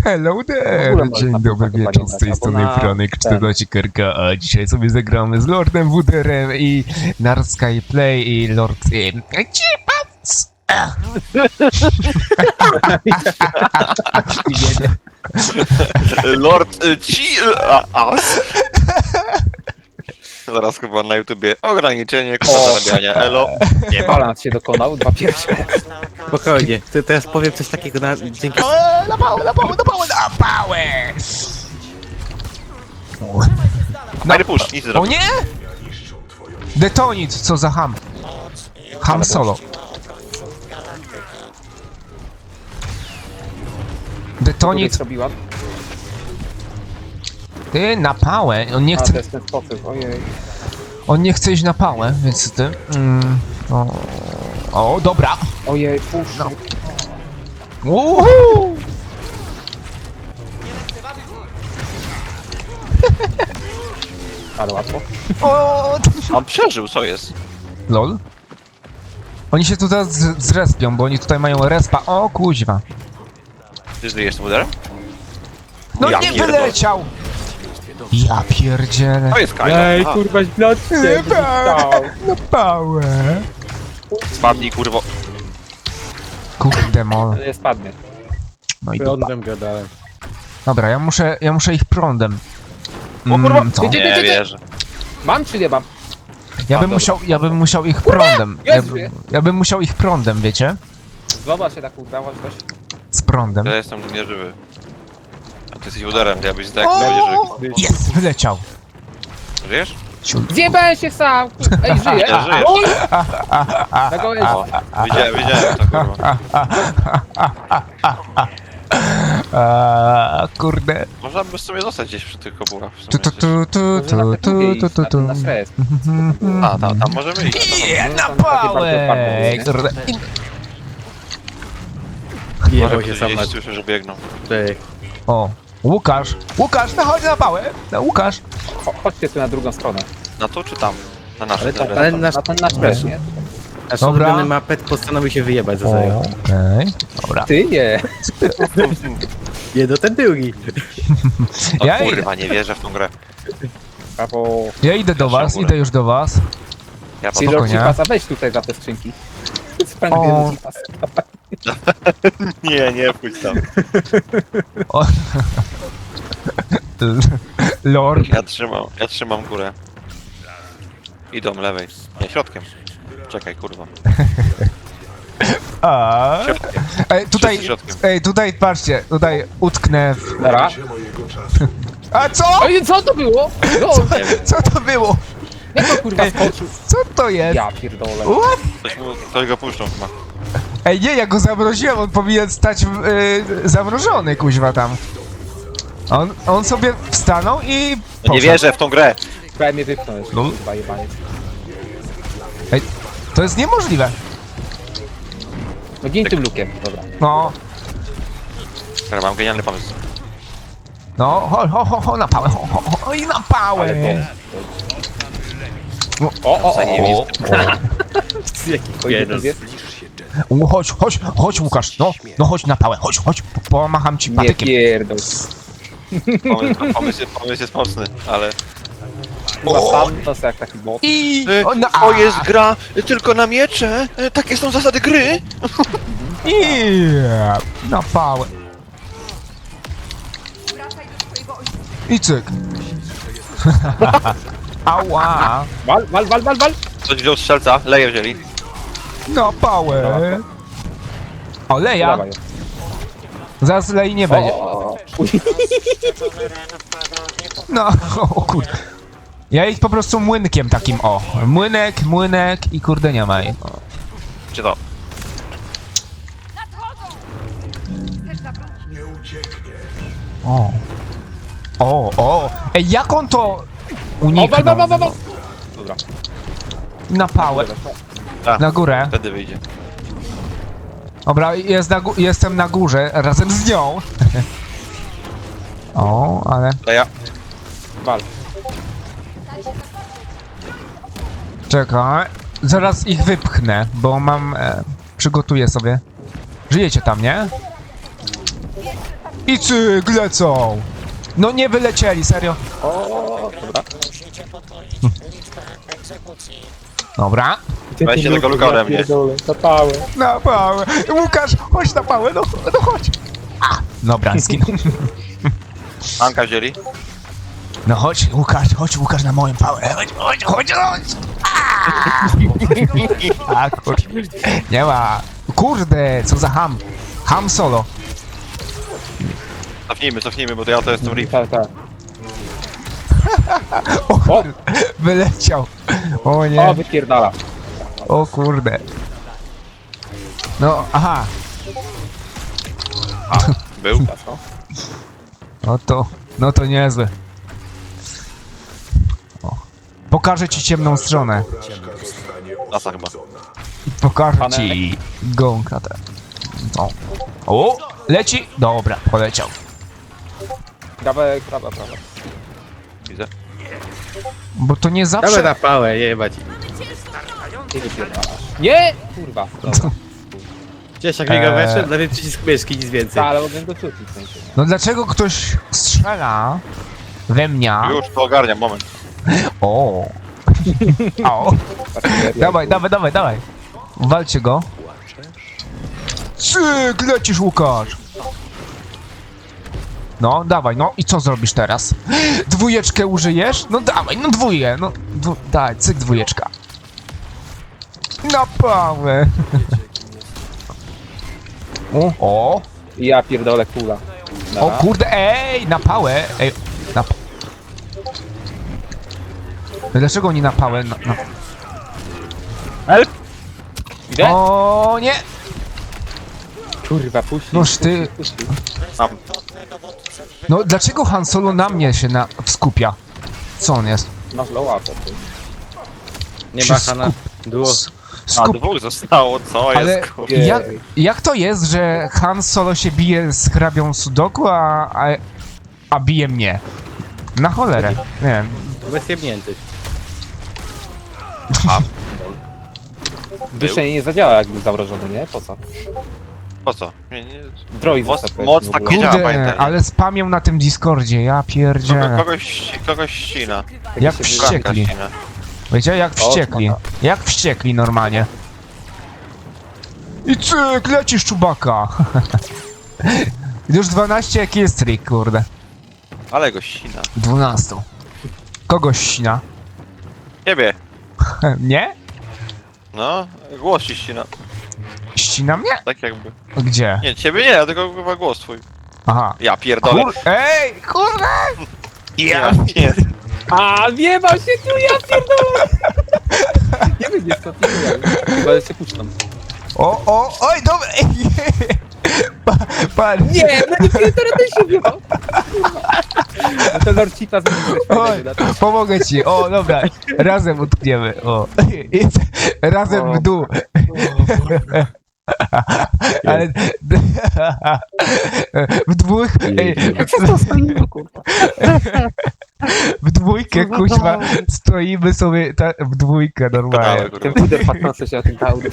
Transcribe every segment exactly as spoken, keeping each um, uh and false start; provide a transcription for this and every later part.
Hello there! Dzień dobry wieczór, z tej strony Franek czternaście Kerka, a dzisiaj sobie zagramy z Lordem Wuderem i Nard Skyplay i Lord... Cipac! Lord y, ci... A, as. Zaraz chyba na YouTubie ograniczenie koszta zarabiania, elo. Nie ma. Balans się dokonał, dwa pierwsze. Spokojnie, ty teraz powiem coś takiego na dzięki. O, na pałę, na pałę, na pałę, na pałę! Fajny push, nic nie O zrobił. nie! Detonit, co za ham. Ham solo. Detonit, zrobiłam. ty na pałę, on nie A, to chce, jest ten sposób, ojej. on nie chce iść na pałę, więc ty... Mm, o, o, dobra. Ojej, pusz. No. Uhu! Ale łatwo. O, On przeżył, co jest? lol. Oni się tu teraz z- zrespią, bo oni tutaj mają respa. O kuźwa. Ty żyjesz z Wuderem? No Ja nie pierdolę. wyleciał! Ja pierdzielę. To jest Kylo. Ej, A, kurwa, źle Na pałę. spadnij, kurwo. Kurde mol. Nie spadnie. No i dupa. Prądem gadałem. Dobra, ja muszę, ja muszę ich prądem. O kurwa, Mm, co? Gdzie- Nie wierzę. Mam czy nie mam? Ja bym dobra. musiał, ja bym musiał ich prądem. Ja, Jezu. bym- ja bym musiał ich prądem, wiecie? Zobacz się tak udało, że coś. Z prądem. Ja jestem nieżywy. A ty jesteś Wuderem, to ja byś tak nie żył. Jest, wyleciał. Żyjesz? Zjebałem się sam! Ej, żyję! Ja żyję. Oj! Na gołęzi. O, widziałem, widziałem to, kurwa. A, kurde. Można by sobie zostać gdzieś przy tych kopułach. w Tu, tu, sumie. tu, tu, Może na tu, te tu, drugie tu, iść, tu, na- tu. na stres. A, tam, tam możemy iść. Je, No, na tam takie pałę! bardzo Kurde. Jebał Może się ktoś sam na gdzieś słyszę, że biegną. tej. O, Łukasz! Łukasz, no chodź na pałę! No, Łukasz! Cho- Chodźcie tu na drugą stronę. Na to czy tam? Na nasze. Ale, tak, dobra. ale na, nasz- na ten nasz też, nie? Nasz Dobra. ulubiony mapet postanowił się wyjebać za serio. Okej, dobra. Ty nie. Nie, do ten drugi. O Ja- kurwa, nie wierzę w tą grę. Brawo. Ja idę do was, idę już do was. Ja po Silor Spokojnie. Cipasa, weź tutaj za te skrzynki. O. Sprawiedliwy Cipas. Nie, nie pójdź tam. O. Lord. Ja trzymam, ja trzymam górę. Idą lewej. Nie, środkiem. Czekaj, kurwa. A. Środkiem. Ej, tutaj, Wszyscy środkiem. ej, tutaj patrzcie, tutaj utknę w... Dobra. A co? Oj, co to było? No, Nie wiem, Co to było? jak to kurwa Ej, skoczył? co to jest? Ja pierdolę. What? ktoś, mu, ktoś go puszczą chyba. Ej, nie, ja go zamroziłem, on powinien stać w, y, zamrożony, kuźwa tam. On, on sobie wstanął i No nie poszedł. wierzę w tą grę. Prawie mnie wypchnął jeszcze, No. kurwa jebaniec. Ej, to jest niemożliwe. No gin tym lukiem, dobra. No, Dobra, mam genialny pomysł. no, ho, ho, ho, ho, na pałę, ho, ho, ho, i na pałę. Ale to... O, o, o, o. Zajebisty. Jaki Oj, pierdol. jest? U, Chodź, chodź, chodź Łukasz, no, no chodź na pałę, chodź, chodź, po- pomacham ci Nie patykiem. pierdol. Pomysł, pomysł, jest, pomysł jest mocny, ale... Chyba sam to jest jak taki bot. I... Y, O, no, To jest gra tylko na miecze. Y, Takie są zasady gry. I... Na pałę. I cyk. Ała. Wal, wal, wal, wal, wal! Ktoś wziął strzelca, leje wzięli. Na pałę. O, leja. Dawaj. Zaraz lei nie będzie. O, o, o. Uj, No, o kurde. Ja ich po prostu młynkiem takim, o. Młynek, młynek i kurde nie ma ich. Gdzie to? O. O, o. Ej, jak on to O, wal, uniknął? wal, wal, wal, wal. Dobra. Na pałę. A, Na górę. wtedy wyjdzie. Dobra, jest na gó- jestem na górze razem z nią. O, ale... Leja. Wal. Czekaj. Zaraz ich wypchnę, bo mam... E, przygotuję sobie. Żyjecie tam, nie? I cyk, lecą! No nie wylecieli, serio. O, dobra. Dobra. Weźcie tego luka ode mnie. Na pałę. Na pałę. Łukasz, chodź na pałę, no, no chodź. A, dobra, skinął. Anka wzięli. No chodź, Łukasz, chodź, Łukasz na moją pałę. Chodź, chodź, chodź, chodź. A, kurde. Nie ma. Kurde, co za ham. Ham solo. Cofnijmy, cofnijmy, bo to ja to jestem rip. Tak, tak. O, kurde, wyleciał. O O, nie, wypierdala. o kurde. No, aha. Był. No to, no to niezłe. O. Pokażę ci ciemną stronę. Nasa chyba. Pokażę Pane- ci gąka te. No. O, leci? Dobra, poleciał. Dawaj, prawa, prawa. Widzę. Bo to nie Dawaj zawsze... na pałę, jebać. Ty wypierdalasz. Nie! Kurwa. Dobra. Gdzieś jak biega Eee. weszedł, nawet przycisk myszki, nic więcej. Ta, ale mogłem go czuć w sensie. No dlaczego ktoś strzela we mnie? Już, to ogarniam, moment. O. O. Dawaj, dawaj, dawaj, dawaj. Walcie go. Cyk, lecisz, Łukasz. No, dawaj, no i co zrobisz teraz? Dwójeczkę użyjesz? No dawaj, no dwóje, no dwu... daj, cyk, dwójeczka. Na pałę. O, o, Ja pierdolę kula. o kurde, ej, na pałę, ej, na p... Dlaczego oni na pałę? Na, na... Help! Idę? O nie! Kurwa, puść. Noż ty, Mam. no dlaczego Han Solo na mnie się na... skupia? Co on jest? Masz low up, ty. Nie się ma Hana. Duo. S- A, Skup... dwóch zostało, co Ale jest, kurwa. jak, jak to jest, że Han Solo się bije z hrabią Sudoku, a, a, a bije mnie? Na cholerę, nie wiem. Bez jebniętych. Duszenie nie zadziała jakby zamrożony, nie? Po co? Po co? Nie, nie. Droid Moc, został moc w tak ogóle. nie działa, Kurde, pamiętaj. ale spamią na tym Discordzie, ja Kogo, pierdzielę. kogoś, kogoś ścina. Jak się wściekli. ścina. Wiecie, jak O, wściekli. spoko. Jak wściekli normalnie. I cyk, lecisz, Czubaka. Już dwanaście, jaki jest trik, kurde. Ale go ścina. dwanaście. Kogoś ścina. Ciebie. Nie? No, głos ci ścina. Ścina mnie? Tak jakby. Gdzie? Nie, ciebie nie, tylko chyba głos twój. Aha. Ja pierdolę. Kur... Ej, kurde! Ja nie. A, wjebał się tu, ja pierdolę! Nie będzie co, ty chyba się puszczam. O, o, oj, dobra! Pa, pan. Nie, no nie pierdolę, też się wjebał! No to Lorcita zmieniłeś Oj, fajnego, tak? pomogę ci. O, dobra. Razem utkniemy. O. I razem w dół. Ale... W dwóch... Ej, w dwójkę, kuźwa, stoimy sobie ta, w dwójkę normalnie. Kurwa. Ten puder patrzący się na tym kaudu.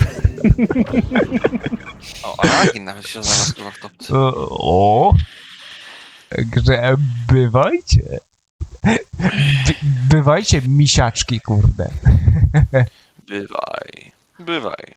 O, Aragin nawet się znalazł kurwa w topce. O, o. Także bywajcie. By, bywajcie, misiaczki, kurde. Bywaj. Bywaj.